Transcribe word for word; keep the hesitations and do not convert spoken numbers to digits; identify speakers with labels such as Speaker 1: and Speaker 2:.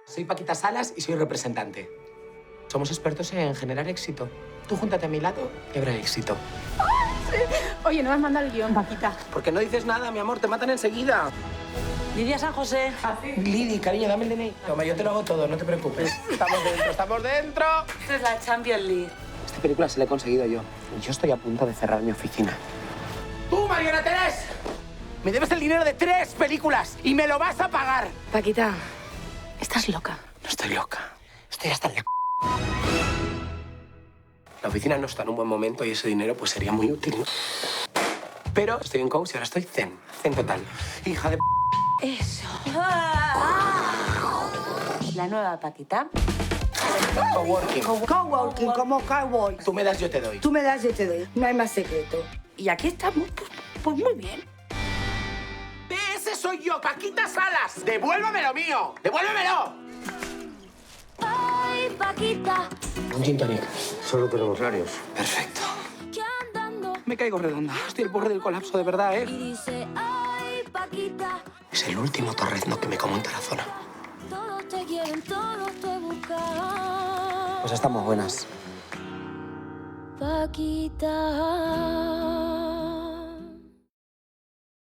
Speaker 1: Soy Paquita Salas y soy representante. Somos expertos en generar éxito. Tú júntate a mi lado y habrá éxito.
Speaker 2: Sí. Oye, no me has mandado el guión, Paquita.
Speaker 1: ¿Por qué no dices nada, mi amor? Te matan enseguida.
Speaker 3: Lidia San José.
Speaker 1: ¿Ah, sí? Lidi, cariño, dame el D N I. Toma, yo te lo hago todo, no te preocupes. Estamos dentro, estamos dentro.
Speaker 3: Esta es la Champions League.
Speaker 1: Esta película se la he conseguido yo. Y yo estoy a punto de cerrar mi oficina. ¡Tú, Mariana Terés! Me debes el dinero de tres películas y me lo vas a pagar.
Speaker 2: Paquita, estás loca.
Speaker 1: No estoy loca. Estoy hasta el... La oficina no está en un buen momento y ese dinero pues sería muy útil, ¿no? Pero estoy en coach y ahora estoy zen. Zen total. Hija de...
Speaker 2: Eso.
Speaker 3: La nueva Paquita.
Speaker 1: Coworking.
Speaker 4: Coworking, como cowboy.
Speaker 1: Tú me das, yo te doy.
Speaker 4: Tú me das, yo te doy. No hay más secreto.
Speaker 3: Y aquí estamos, pues, pues muy bien.
Speaker 1: ¡Ese soy yo, Paquita Salas! ¡Devuélveme lo mío! ¡Devuélvemelo!
Speaker 5: Ay, Paquita.
Speaker 1: Un gin tonic.
Speaker 6: Solo tenemos varios.
Speaker 1: Perfecto.
Speaker 5: Que andando.
Speaker 1: Me caigo redonda. Estoy al borde del colapso, de verdad, ¿eh?
Speaker 5: Y dice, ay, Paquita.
Speaker 1: Es el último torrezno que me como en Tarazona.
Speaker 5: Todos te quieren, todos te buscan.
Speaker 1: Pues estamos buenas.
Speaker 5: Paquita.